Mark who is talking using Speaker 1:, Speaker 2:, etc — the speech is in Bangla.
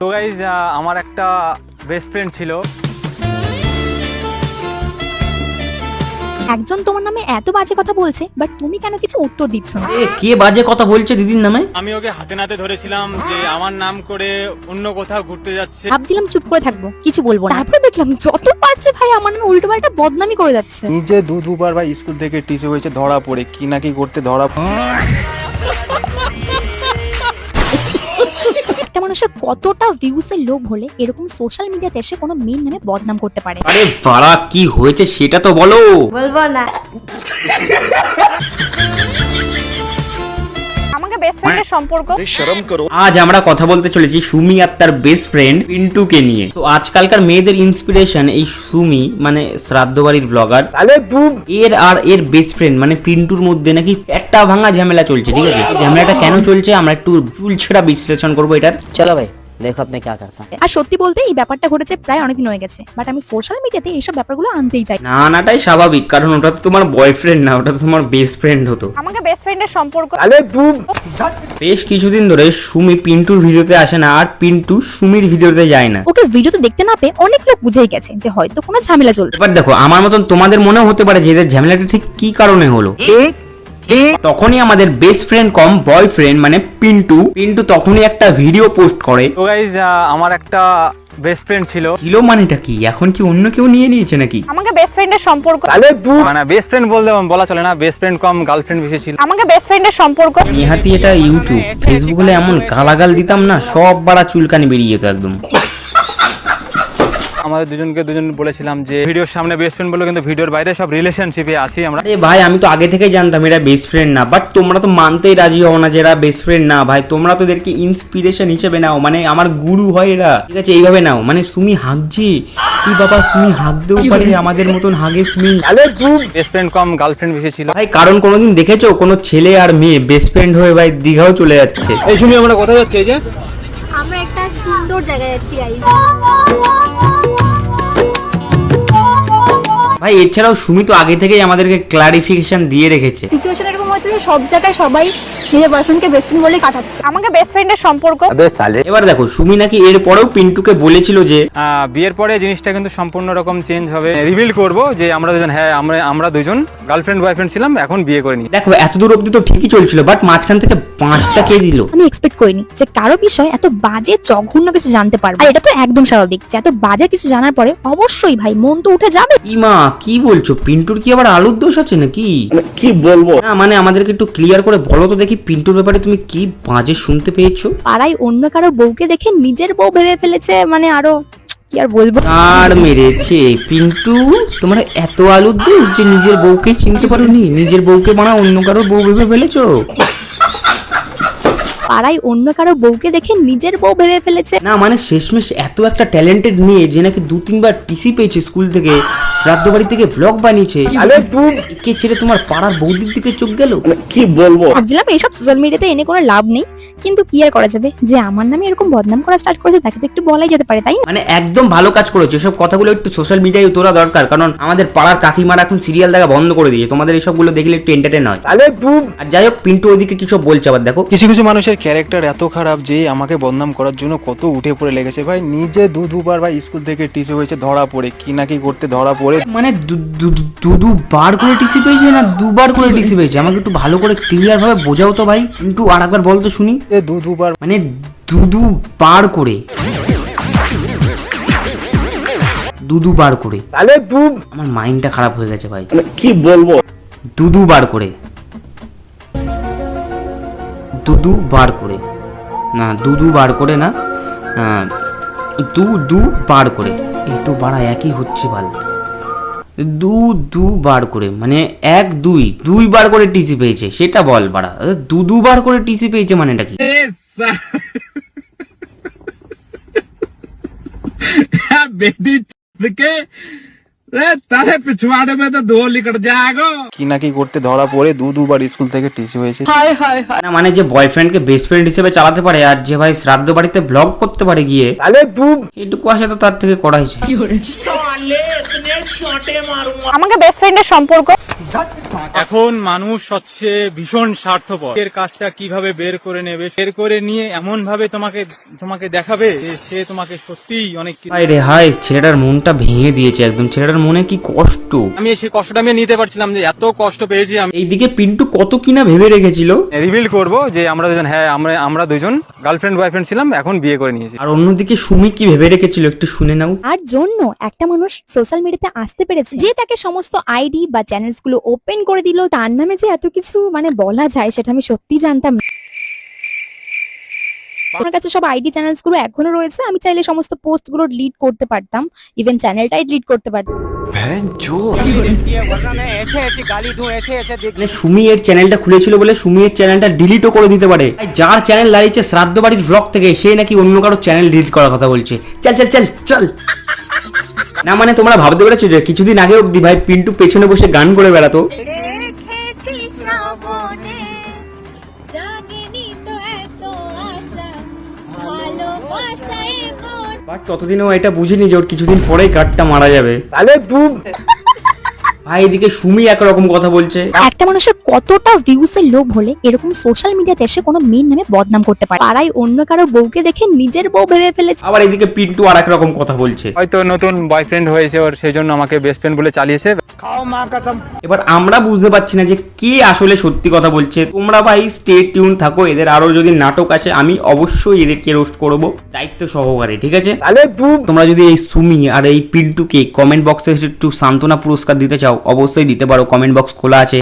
Speaker 1: তো গাইজ আমার একটা বেস্ট ফ্রেন্ড ছিল।
Speaker 2: একজন তোমার নামে এত বাজে কথা বলছে, বাট তুমি কেন কিছু উত্তর দিচ্ছ না?
Speaker 3: কে বাজে কথা বলছে দিদির নামে?
Speaker 1: আমি ওকে হাতে নাতে ধরেছিলাম যে আমার নাম করে অন্য কোথাও ঘুরতে যাচ্ছে।
Speaker 2: ভাবছিলাম চুপ করে থাকবো, কিছু বলবো না। তারপরে দেখলাম যত পারছে ভাই আমার নামে উল্টো পাল্টা বদনামি করে যাচ্ছে।
Speaker 4: নিজে দুবার ভাই স্কুল থেকে টিসে হয়েছে ধরা পড়ে কি নাকি করতে ধরা।
Speaker 2: একটা মানুষের কতটা ভিউসের লোভ হলে এরকম সোশ্যাল মিডিয়াতে এসে কোনো মেয়ের নামে বদনাম করতে পারে?
Speaker 3: আরে বাড়া, কি হয়েছে সেটা তো বলো।
Speaker 5: বলবো না। আমাকে বেস্ট ফ্রেন্ডের সম্পর্ক।
Speaker 3: আজ আমরা কথা বলতে চলেছি সুমি আর তার বেস্ট ফ্রেন্ড পিন্টুকে নিয়ে। তো আজকালকার মেয়েদের ইন্সপিরেশন এই সুমি, মানে শ্রাদ্ধ বাড়ির ব্লগার, এর বেস্ট ফ্রেন্ড মানে পিন্টুর মধ্যে নাকি একটা ভাঙা ঝামেলা চলছে। ঠিক আছে, ঝামেলাটা কেন চলছে আমরা একটু চুলছেড়া বিশ্লেষণ করবো এটার।
Speaker 6: चलो भाई देखो अब मैं क्या करता हूँ।
Speaker 2: আর সত্যি বলতে এই ব্যাপারটা ঘটেছে প্রায় অনেকদিন হয়ে গেছে, বাট আমি সোশ্যাল মিডিয়াতে এইসব ব্যাপারগুলো আনতেই চাই।
Speaker 3: নাটাই স্বাভাবিক, কারণ ওটা তো তোমার বয়ফ্রেন্ড না, ওটা তো তোমার বেস্ট ফ্রেন্ড হতো।
Speaker 5: আমাকে বেস্ট ফ্রেন্ডের সম্পর্ক।
Speaker 3: বেশ কিছুদিন ধরে সুমি পিন্টুর ভিডিওতে আসে না, আর পিন্টু সুমির ভিডিওতে যায় না।
Speaker 2: ওকে ভিডিওতে দেখতে না পেয়ে অনেক লোক বুঝেই গেছে যে হয়তো কোনো ঝামেলা চলছে।
Speaker 3: এবার দেখো, আমার মতন তোমাদের মনেও হতে পারে যে এদের ঝামেলাটা ঠিক কি কারণে হলো। তখনই আমাদের বেস্ট ফ্রেন্ড কম বয়ফ্রেন্ড মানে পিন্টু তখনই একটা ভিডিও পোস্ট করে।
Speaker 1: তো গাইজ আমার একটা বেস্ট ফ্রেন্ড ছিল।
Speaker 3: মানেটা কি? এখন কি অন্য কেউ নিয়ে নিয়েছে নাকি?
Speaker 5: আমাকে বেস্ট ফ্রেন্ডের সম্পর্ক।
Speaker 1: মানে বেস্ট ফ্রেন্ড বলা চলে না, বেস্ট ফ্রেন্ড কম গার্লফ্রেন্ড বেশি ছিল।
Speaker 5: আমাকে বেস্ট ফ্রেন্ডের সম্পর্ক।
Speaker 3: নিহাতি এটা ইউটিউব ফেসবুক হলে এমন গালাগাল দিতাম না, সব বাড়া চুলকানি বেরিয়ে যেত একদম।
Speaker 1: আমাদের দুজন বলেছিলাম যে ভিডিওর সামনে বেস্ট ফ্রেন্ড বলে, কিন্তু ভিডিওর বাইরে সব রিলেশনশিপে আসি আমরা।
Speaker 3: আরে ভাই, আমি তো আগে থেকেই জানতাম এরা বেস্ট ফ্রেন্ড না, বাট তোমরা তো মানতেই রাজি হও না যে এরা বেস্ট ফ্রেন্ড না। ভাই তোমরা তো এদেরকে ইন্সপিরেশন হিসেবে নাও, মানে আমার গুরু হয় এরা। ঠিক আছে, এইভাবে নাও। মানে সুমি হাগছি, কি বাবা সুমি হাগতেও পারে, আমাদের মতন হাগে সুমি।
Speaker 1: বেস্ট ফ্রেন্ড কম গার্লফ্রেন্ড বেশি ছিল।
Speaker 3: ভাই কারণ কোনোদিন দেখেছো কোনো ছেলে আর মেয়ে বেস্ট ফ্রেন্ড হয়ে ভাই দীঘাও চলে যাচ্ছে?
Speaker 1: এই শুনি আমরা কোথায় যাচ্ছি? এই যে
Speaker 7: আমরা একটা সুন্দর জায়গায় আছি গাইস।
Speaker 3: ভাই এছাড়াও সুমি তো আগে থেকেই আমাদেরকে ক্লারিফিকেশন দিয়ে রেখেছে।
Speaker 7: সিচুয়েশন এরকম হচ্ছে যে সব জায়গায় সবাই নিজের বয়ফ্রেন্ডকে বেস্ট ফ্রেন্ড বলে কাটাচ্ছে।
Speaker 5: আমাকে বেস্ট ফ্রেন্ডের সম্পর্ক।
Speaker 3: এবার দেখো, সুমি নাকি এর পরেও পিন্টুকে বলেছিল যে
Speaker 1: বিয়ের পরে জিনিসটা কিন্তু সম্পূর্ণ রকম চেঞ্জ হবে, রিভিল করব যে আমরা দুজন, হ্যাঁ আমরা দুজন গার্লফ্রেন্ড বয়ফ্রেন্ড ছিলাম, এখন বিয়ে করে নি।
Speaker 3: দেখো এতদূর অব্দি তো ঠিকই চলছিল, বাট মাঝখান থেকে 5টা কে দিল।
Speaker 2: আমি এক্সপেক্ট করিনি যে কারো বিষয় এত বাজে জঘন্য কিছু জানতে পারবো। আর এটা তো একদম স্বাভাবিক যে এত বাজে কিছু জানার পরে অবশ্যই ভাই মন তো উঠে যাবে।
Speaker 3: ইমা কি বলছো? পিন্টুর কি আবার আলুর দোষ আছে নাকি? কি বলবো না, মানে আমাদেরকে একটু ক্লিয়ার করে বলো তো দেখি, পিন্টুর ব্যাপারে তুমি কি বাজে শুনতে পেয়েছো?
Speaker 2: পাড়ায় অন্য কারো বউকে দেখে নিজের বউ ভেবে ফেলেছে, মানে আরো কি আর বলবো।
Speaker 3: আর মেরেছে পিন্টু, তোমার এত আলুর দোষ যে নিজের বউকে চিনতে পারোনি, নিজের বউকে মানে অন্য কারো বউ ভেবে ফেলেছো।
Speaker 2: পাড়ায় অন্য কারো বউকে দেখে নিজের বউ ভেবে ফেলেছে।
Speaker 3: না মানে শেষমেশ এত একটা ট্যালেন্টেড মেয়ে যে নাকি 2-3বার টিসি পেয়েছে স্কুল থেকে, শ্রাদ্ধ বাড়ি থেকে ব্লগ বানিয়েছে, কে ছেড়ে তোমার পাড়ার বৌদির দিকে চোখ গেল? কি বলবো,
Speaker 2: ভাবছিলাম এইসব সোশ্যাল মিডিয়াতে এনে কোনো লাভ নেই, কিন্তু কি আর করা যাবে, যে আমার নামে এরকম বদনাম করা স্টার্ট করেছে তাকে তো একটু বলাই যেতে পারে, তাই না?
Speaker 3: মানে একদম ভালো কাজ করেছে। এসব কথাগুলো একটু সোশ্যাল মিডিয়ায় তোলা দরকার, কারণ আমাদের পাড়ার কাকিমারা এখন সিরিয়াল দেখা বন্ধ করে দিয়েছে। তোমাদের এইসবগুলো দেখলে একটু এন্টারটেইন হয়। আর যাই হোক, পিন্টু ওইদিকে কিছু বলছে। আবার দেখো,
Speaker 4: কিছু মানুষের ক্যারেক্টার এত খারাপ যে আমাকে বদনাম করার জন্য কত উঠে পড়ে লেগেছে। ভাই নিজে দুবার ভাই স্কুল থেকে টিসে হয়েছে ধরা পড়ে কি নাকি করতে ধরা পড়ে।
Speaker 3: মানে দুবার করে টিসি পেয়েছে না 2বার করে টিসি পেয়েছে? আমাকে একটু ভালো করে ক্লিয়ার ভাবে বোঝাও তো ভাই। কিন্তু আর একবার বল তো শুনি।
Speaker 4: দুবার
Speaker 3: মানে দুবার করে, দুবার করে। আমার মাইন্ডটা খারাপ হয়ে গেছে ভাই, কি বলবো। দুবার করে, দুবার করে না, দুবার করে না, দুবার করে। এই তো বাড়া একই হচ্ছে ভালো। দুবার করে মানে 2বার করে টিসি পেয়েছে, সেটা বল বাড়া। দুবার করে টিসি পেয়েছে মানেটা কি?
Speaker 4: কি নাকি করতে ধরা পড়ে দুবার স্কুল থেকে টিসি হয়েছে।
Speaker 3: না মানে যে বয়ফ্রেন্ডকে বেস্ট ফ্রেন্ড হিসেবে চালাতে পারে, আর যে ভাই শ্রাদ্ধ বাড়িতে ব্লগ করতে পারে গিয়ে, এটুকু আসে তো তার থেকে করাইছে।
Speaker 5: আমাকে বেস্ট ফ্রেন্ডের সম্পর্ক।
Speaker 1: এখন মানুষ হচ্ছে ভীষণ স্বার্থপর। এর কাজটা কিভাবে বের করে নেবে, বের করে নিয়ে এমন ভাবে তোমাকে দেখাবে যে সে তোমাকে সত্যিই অনেক কিছু।
Speaker 3: হায় রে হায়, ছেলেটার মনটা ভেঙে দিয়েছে একদম। ছেলেটার মনে কি কষ্ট।
Speaker 1: আমি সেই কষ্টটা আমি নিতে পারছিলাম যে এত কষ্ট পেয়েছি আমি।
Speaker 3: এইদিকে পিন্টু কত কিনা ভেবে রেখেছিল।
Speaker 1: রিভিল করব যে আমরা দুজন, হ্যাঁ আমরা দুজন গার্লফ্রেন্ড বয়ফ্রেন্ড ছিলাম, এখন বিয়ে করে নিয়েছি।
Speaker 3: আর অন্যদিকে সুমি কি ভেবে রেখেছিল একটু শুনে নাও।
Speaker 2: আর জন্য একটা মানুষ সোশ্যাল মিডিয়াতে আসতে পেরেছে যে তাকে সমস্ত আইডি বা চ্যানেলস গুলো ওপেন করে দিল। তার নামে যে এত কিছু মানে বলা যায় সেটা আমি সত্যি জানতাম না। আমার কাছে সব আইডি চ্যানেলস গুলো এখনো রয়েছে। আমি চাইলে সমস্ত পোস্ট গুলো ডিলিট করতে পারতাম, ইভেন চ্যানেলটাই ডিলিট করতে পারতাম।
Speaker 3: মানে সুমি এর চ্যানেলটা খুলেছিল বলে সুমি এর চ্যানেলটা ডিলিটও করে দিতে পারে। আর যার চ্যানেল দাঁড়িয়েছে শ্রাদ্ধ বাড়ির ব্লগ থেকে, সে নাকি অন্য কারো চ্যানেল ডিলিট করার কথা বলছে। চল চল চল চল। না মানে তোমরা ভাবতে পেরেছো যে কিছুদিন আগে অব্দি ভাই পিন্টু পেছনে বসে গান করে বেড়াতো। বাট ততদিনও এটা বুঝিনি যে ওর কিছুদিন পরেই কাঠটা মারা যাবে। ভাই এদিকে সুমি একরকম কথা বলছে।
Speaker 2: একটা মানুষের কতটা ভিউস এর লোভ হলে এরকম সোশ্যাল মিডিয়াতে এসে কোনো মেয়ের নামে বদনাম করতে পারে। পাড়ায় অন্য কারো বউকে দেখে নিজের বউ ভেবে ফেলেছে।
Speaker 3: আবার এদিকে পিন্টু আর এক রকম কথা বলছে।
Speaker 1: হয়তো নতুন বয়ফ্রেন্ড হয়েছে ওর, সেই জন্য আমাকে বেস্ট ফ্রেন্ড বলে চালিয়েছে।
Speaker 3: এবার আমরা বুঝতে পারছি না যে কে আসলে সত্যি কথা বলছে। তোমরা ভাই স্টে টিউন থাকো। এদের আরো যদি নাটক আসে আমি অবশ্যই এদেরকে রোস্ট করব দায়িত্ব সহকারে, ঠিক আছে? তোমরা যদি এই সুমি আর এই পিন্টুকে কমেন্ট বক্সে একটু সান্ত্বনা পুরস্কার দিতে চাও অবশ্যই দিতে পারো। কমেন্ট বক্স খোলা আছে।